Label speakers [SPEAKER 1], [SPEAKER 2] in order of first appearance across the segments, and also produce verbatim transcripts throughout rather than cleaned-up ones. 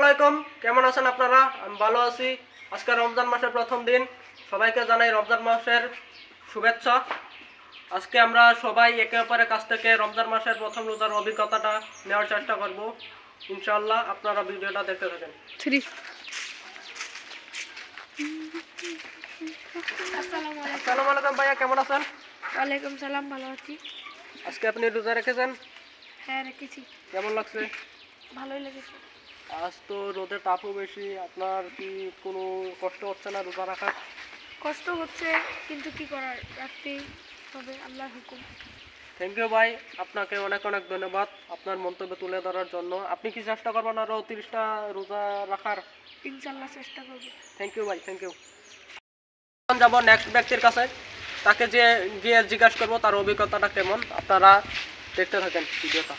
[SPEAKER 1] আলাইকুম, কেমন আছেন আপনারা? আমি ভালো আছি। আজকে রমজান মাসের প্রথম দিন, সবাইকে জানাই রমজান মাসের শুভেচ্ছা। আজকে আমরা সবাই একে অপরের কাছ থেকে রমজান মাসের প্রথম রোজার অভিজ্ঞতাটা নেওয়ার চেষ্টা করব। ইনশাআল্লাহ আপনারা ভিডিওটা দেখতে থাকেন। আসসালামু আলাইকুম ভাইয়া, কেমন আছেন?
[SPEAKER 2] ওয়ালাইকুম সালাম, ভালো আছি।
[SPEAKER 1] আজকে আপনি রোজা রেখেছেন?
[SPEAKER 2] হ্যাঁ রেখেছি।
[SPEAKER 1] কেমন লাগছে?
[SPEAKER 2] ভালোই লেগেছে।
[SPEAKER 1] আজ তো রোদের তাপও বেশি, আপনার কি কোনো কষ্ট হচ্ছে না রোজা রাখার?
[SPEAKER 2] কষ্ট হচ্ছে, কিন্তু কি করার, রাখতেই হবে, আল্লাহর হুকুম।
[SPEAKER 1] থ্যাংক ইউ ভাই, আপনাকে অনেক অনেক ধন্যবাদ আপনার মন্তব্য তুলে ধরার জন্য। আপনি কি চেষ্টা করবেন আরও তিরিশটা রোজা রাখার?
[SPEAKER 2] ইনশাল্লাহ চেষ্টা করব।
[SPEAKER 1] থ্যাংক ইউ ভাই, থ্যাংক ইউ। এখন যাবো নেক্সট ব্যক্তির কাছে, তাকে যে গিয়ে জিজ্ঞাসা করবো তার অভিজ্ঞতাটা কেমন। আপনারা দেখতে থাকেন ভিডিওটা।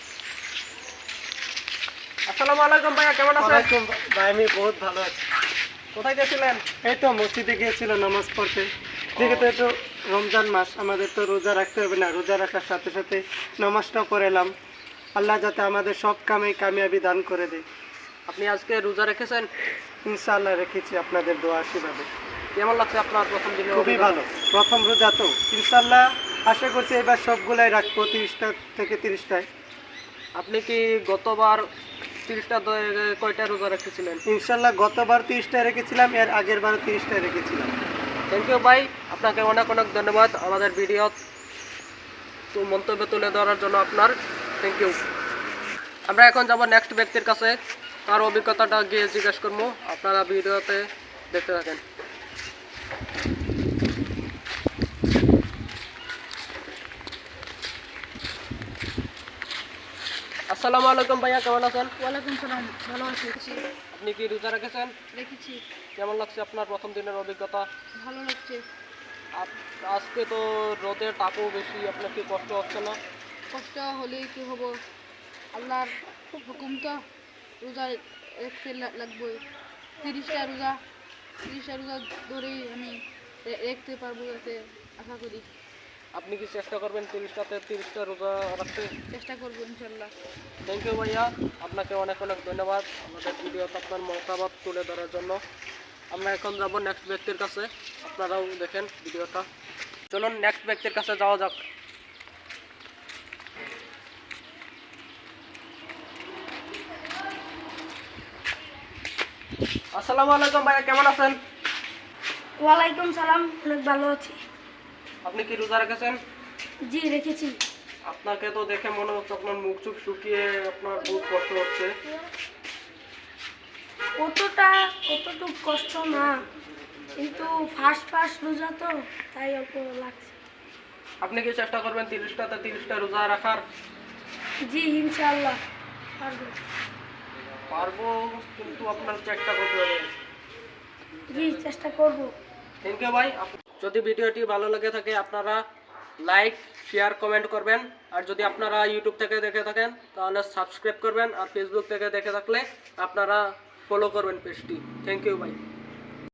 [SPEAKER 1] আসসালামু আলাইকুম ভাইয়া, কেমন আছেন?
[SPEAKER 3] ভাই আমি বহুত ভালো আছি।
[SPEAKER 1] কোথায় গেছিলেন?
[SPEAKER 3] এই তো মসজিদে গিয়েছিল নামাজ পড়তে। যেহেতু একটু রমজান মাস, আমাদের তো রোজা রাখতে হবে না, রোজা রাখার সাথে সাথে নামাজটাও করে এলাম। আল্লাহ যাতে আমাদের সব কামে কামিয়াবি দান করে দেয়।
[SPEAKER 1] আপনি আজকে রোজা রেখেছেন?
[SPEAKER 3] ইনশাআল্লাহ রেখেছি আপনাদের দোয়া আশীর্বাদে।
[SPEAKER 1] কেমন লাগছে আপনার প্রথম দিনে?
[SPEAKER 3] খুবই ভালো, প্রথম রোজা তো ইনশাআল্লাহ আশা করছি এবার সবগুলাই রাখবো, তিরিশটা থেকে তিরিশটায়।
[SPEAKER 1] আপনি কি গতবার তিরিশটা কয়টা রোজা রেখেছিলেন?
[SPEAKER 3] ইনশাআল্লাহ গতবার তিরিশটায় রেখেছিলাম, এর আগের বার তিরিশটায় রেখেছিলাম।
[SPEAKER 1] থ্যাংক ইউ ভাই, আপনাকে অনেক অনেক ধন্যবাদ আমাদের ভিডিও তো মন্তব্য তুলে ধরার জন্য আপনার। Thank you. আমরা এখন যাব নেক্সট ব্যক্তির কাছে, তার অভিজ্ঞতাটা গিয়ে জিজ্ঞেস করবো। আপনারা ভিডিওতে দেখতে থাকেন। আসসালামু আলাইকুম ভাইয়া, কেমন আছেন?
[SPEAKER 2] ওয়ালাইকুম সালাম, ভালো আছি।
[SPEAKER 1] আপনি কি রোজা রেখেছেন?
[SPEAKER 2] রেখেছি।
[SPEAKER 1] কেমন লাগছে আপনার প্রথম দিনের অভিজ্ঞতা?
[SPEAKER 2] ভালো লাগছে।
[SPEAKER 1] আপ- আজকে তো রোদের তাপও বেশি, আপনার কি কষ্ট হচ্ছে না?
[SPEAKER 2] কষ্ট হলেই কি হবো, আল্লাহর হুকুম তো, রোজা রাখতে লাগবে। তিরিশটা রোজা তিরিশটা রোজা ধরেই আমি রাখতে পারবো, যাতে আশা করি।
[SPEAKER 1] আপনি কি চেষ্টা করবেন তিরিশটাতে তিরিশটা রোজা রাখতে?
[SPEAKER 2] চেষ্টা করবো ইনশাল্লাহ।
[SPEAKER 1] থ্যাংক ইউ ভাইয়া, আপনাকে অনেক অনেক ধন্যবাদ আমাদের ভিডিওতে আপনার মতামত তুলে ধরার জন্য। আমরা এখন যাব নেক্সট ব্যক্তির কাছে, আপনারাও দেখেন ভিডিওটা। চলুন নেক্সট ব্যক্তির কাছে যাওয়া যাক। আসসালামু আলাইকুম ভাইয়া, কেমন আছেন?
[SPEAKER 2] ওয়ালাইকুম সালাম, অনেক ভালো আছি।
[SPEAKER 1] আপনি কি রোজা রেখেছেন?
[SPEAKER 2] জি রেখেছি।
[SPEAKER 1] আপনাকে তো দেখে মনে হচ্ছে আপনার মুখ চুখ শুকিয়ে আপনার বহুত কষ্ট হচ্ছে।
[SPEAKER 2] কতটা কতটুকু কষ্ট না, কিন্তু ফার্স্ট ফার্স্ট রোজা তো, তাই অল্প লাগছে।
[SPEAKER 1] আপনি কি চেষ্টা করবেন তিরিশটাতে তিরিশটা রোজা রাখার?
[SPEAKER 2] জি ইনশাআল্লাহ পারবো।
[SPEAKER 1] পারবো, কিন্তু আপনার চেষ্টা করতে হবে।
[SPEAKER 2] জি চেষ্টা করব।
[SPEAKER 1] থ্যাংক ইউ ভাই। যদি ভিডিওটি ভালো লাগে থাকে আপনারা লাইক শেয়ার কমেন্ট করবেন, আর যদি আপনারা ইউটিউব থেকে দেখে থাকেন তাহলে সাবস্ক্রাইব করবেন, আর ফেসবুক থেকে দেখে থাকলে আপনারা ফলো করবেন পেজটি। থ্যাংক ইউ ভাই।